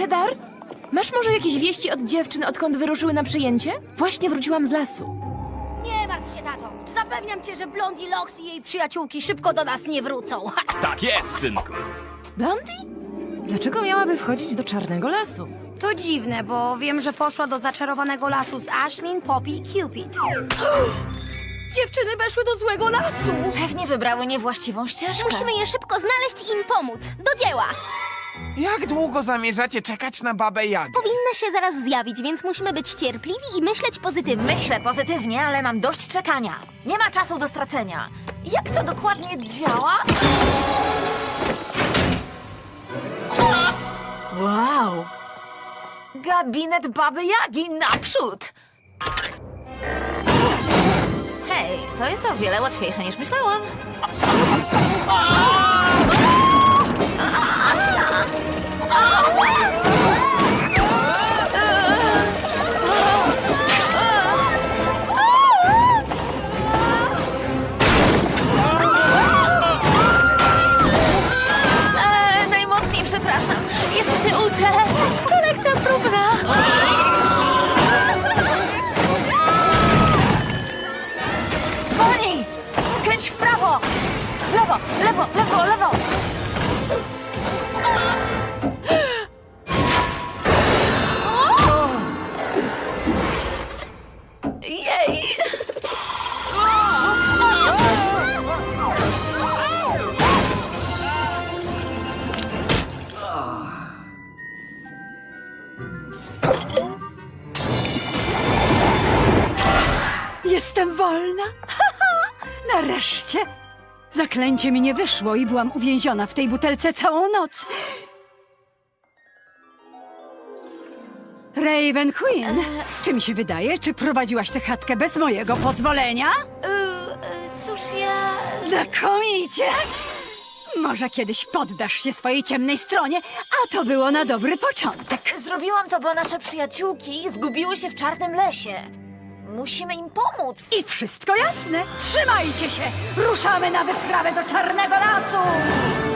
Cedar, masz może jakieś wieści od dziewczyn, odkąd wyruszyły na przyjęcie? Właśnie wróciłam z lasu. Nie martw się, tato. Zapewniam cię, że Blondie Locks i jej przyjaciółki szybko do nas nie wrócą. Tak jest, synku. Blondie? Dlaczego miałaby wchodzić do czarnego lasu? To dziwne, bo wiem, że poszła do zaczarowanego lasu z Ashlyn, Poppy i Cupid. Dziewczyny weszły do złego lasu. Pewnie wybrały niewłaściwą ścieżkę. Musimy je szybko znaleźć i im pomóc. Do dzieła! Jak długo zamierzacie czekać na babę Jagę? Powinna się zaraz zjawić, więc musimy być cierpliwi i myśleć pozytywnie. Myślę pozytywnie, ale mam dość czekania. Nie ma czasu do stracenia. Jak to dokładnie działa? Wow! Gabinet Baby Jagi naprzód! Hej, to jest o wiele łatwiejsze niż myślałam. Najmocniej przepraszam. Jeszcze się uczę. To lekcja próbna. Zwolnij! Skręć w prawo! Lewo, lewo, lewo, lewo! Jej! Jestem wolna! Nareszcie! Zaklęcie mi nie wyszło i byłam uwięziona w tej butelce całą noc. Raven Queen, czy mi się wydaje, czy prowadziłaś tę chatkę bez mojego pozwolenia? Cóż ja... Znakomicie! Może kiedyś poddasz się swojej ciemnej stronie, a to było na dobry początek. Zrobiłam to, bo nasze przyjaciółki zgubiły się w czarnym lesie. Musimy im pomóc. I wszystko jasne. Trzymajcie się! Ruszamy na wyprawę do Czarnego Lasu!